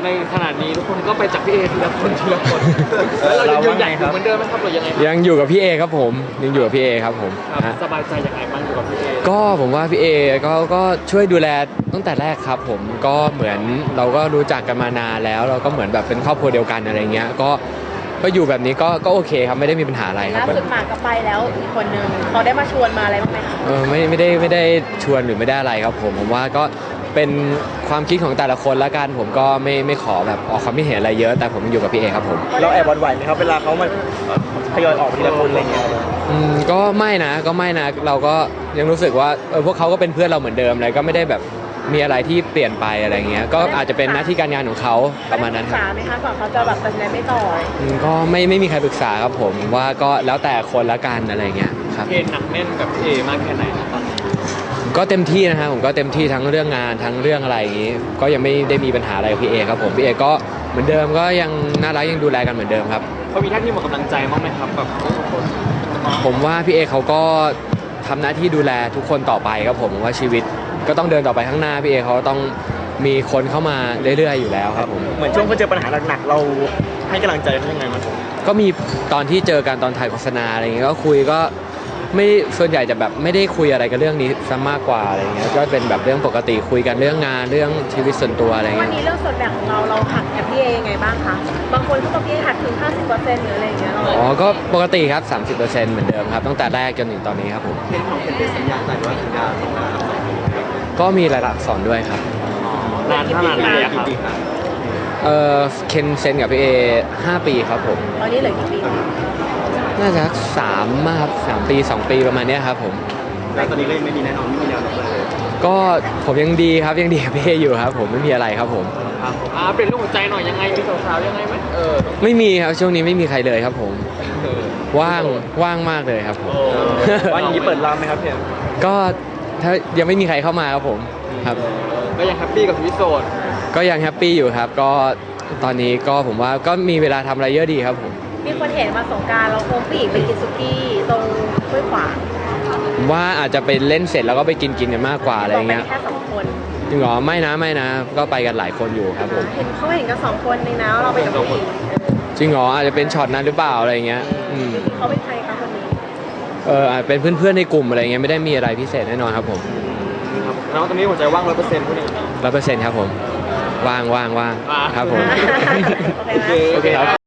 ในขณะนี้ทุกคนก็ไปจากพี่เอทีละคนทีละคนแล้วเรายังใหญ่เหมือนเดิมไหมครับหรือยังไงยังอยู่กับพี่เอครับผมยังอยู่กับพี่เอครับผมสบายใจยังไงบ้างอยู่กับพี่เอก็ผมว่าพี่เอก็ช่วยดูแลตั้งแต่แรกครับผมก็เหมือนเราก็รู้จักกันมานานแล้วเราก็เหมือนแบบเป็นครอบครัวเดียวกันอะไรเงี้ยก็อยู่แบบนี้ก็โอเคครับไม่ได้มีปัญหาอะไรครับล่าสุดหมากก็ไปแล้วอีกคนนึงเขาได้มาชวนมาอะไรบ้างไหมคะไม่ได้ชวนหรือไม่ได้อะไรครับผมว่าก็เป็นความคิดของแต่ละคนละกันผมก็ไม่ขอแบบออกความคิดเห็นอะไรเยอะแต่ผมอยู่กับพี่เอครับผมเราแอบหวั่นไหวไหมครับเวลาเขามาทยอยออกทีละคนอะไรเงี้ยก็ไม่นะเราก็ยังรู้สึกว่าพวกเขาก็เป็นเพื่อนเราเหมือนเดิมเลยก็ไม่ได้แบบมีอะไรที่เปลี่ยนไปอะไรเงี้ยก็อาจจะเป็นหน้าที่การงานของเขาประมาณนั้นครับปรึกษาไหมคะก่อนเขาจะแบบตัดสินใจไม่ต่อก็ไม่มีใครปรึกษาครับผมว่าก็แล้วแต่คนละกันอะไรเงี้ยครับเอหนักแน่นกับพี่เอมากแค่ไหนตอนนี้ก็เต็มที่นะครับผมก็เต็มที่ทั้งเรื่องงานทั้งเรื่องอะไรอย่างนี้ก็ยังไม่ได้มีปัญหาอะไรกับพี่เอครับผมพี่เอก็เหมือนเดิมก็ยังน่ารักยังดูแลกันเหมือนเดิมครับเขามีท่าที่หมดกำลังใจบ้างไหมครับแบบทุกคนผมว่าพี่เอเขาก็ทำหน้าที่ดูแลทุกคนต่อไปครับผมว่าชีวิตก็ต้องเดินต่อไปข้างหน้าพี่เอเขาต้องมีคนเข้ามาเรื่อยๆอยู่แล้วครับผมเหมือนช่วงเขาเจอปัญหาหนักๆเราให้กำลังใจเขายังไงมันก็มีตอนที่เจอกันตอนถ่ายโฆษณาอะไรเงี้ยก็คุยก็ไม่ส่วนใหญ่จะแบบไม่ได้คุยอะไรกับเรื่องนี้ซะมากกว่าอะไรเงี้ยก็เป็นแบบเรื่องปกติคุยกันเรื่องงานเรื่องชีวิตส่วนตัวอะไรเงี้ยวันนี้เรื่องส่วนแบ่งของเราหักกับพี่เอยังไงบ้างคะบางคนเขาบอกพี่เอหักถึง 50%หรืออะไรอย่างเงี้ยก็ปกติครับ 30%เหมือนเดิมครับตั้งแต่แรกจนถึงตอนนี้ครับผมเป็นสัญญาใจว่าสัญญาสองก็มีรายลักษณ์อักษรด้วยครับนานขนาดไหนครับเคนเซ็นกับพี่เอ5 ปีครับผมตอนนี้เหลือกี่ปีน่าจะ3มาครับ3 ปี 2 ปีประมาณนี้ครับผมแล้วตอนนี้ก็ยังไม่มีแน่นอนไม่มีแนวโน้มเลยก็ผมยังดีครับยังดีกับพี่เออยู่ครับผมไม่มีอะไรครับผมเปลี่ยนเรื่องหัวใจหน่อยยังไงมีสาวๆยังไงไหมไม่มีครับช่วงนี้ไม่มีใครเลยครับผมว่างมากเลยครับผมว่าอย่างนี้เปิดรับไหมครับพี่ก็ถ้ายังไม่มีใครเข้ามาครับผมครับก็ยังแฮปปี้กับชีวิตโสดก็ยังแฮปปี้อยู่ครับก็ตอนนี้ก็ผมว่าก็มีเวลาทำอะไรเยอะดีครับผมมีคนเห็นมาสงการเราโคมผู้หญิงไปกินสุกี้ตรงห้วยขวางว่าอาจจะไปเล่นเสร็จแล้วก็ไปกินกันมากกว่าอะไรเงี้ยแค่2 คนจริงเหรอไม่นะก็ไปกันหลายคนอยู่ครับผมเขาเห็นกัน2 คนในน้าเราไปกับผู้หญิงจริงเหรออาจจะเป็นช็อตนั้นหรือเปล่าอะไรเงี้ยเขาเป็นใครคะคนนี้อาจเป็นเพื่อนๆในกลุ่มอะไรเงี้ยไม่ได้มีอะไรพิเศษแน่นอนครับผมแล้วตอนนี้หัวใจว่าง100%พูด 100%ครับผมว่างครับผมโอเคครับ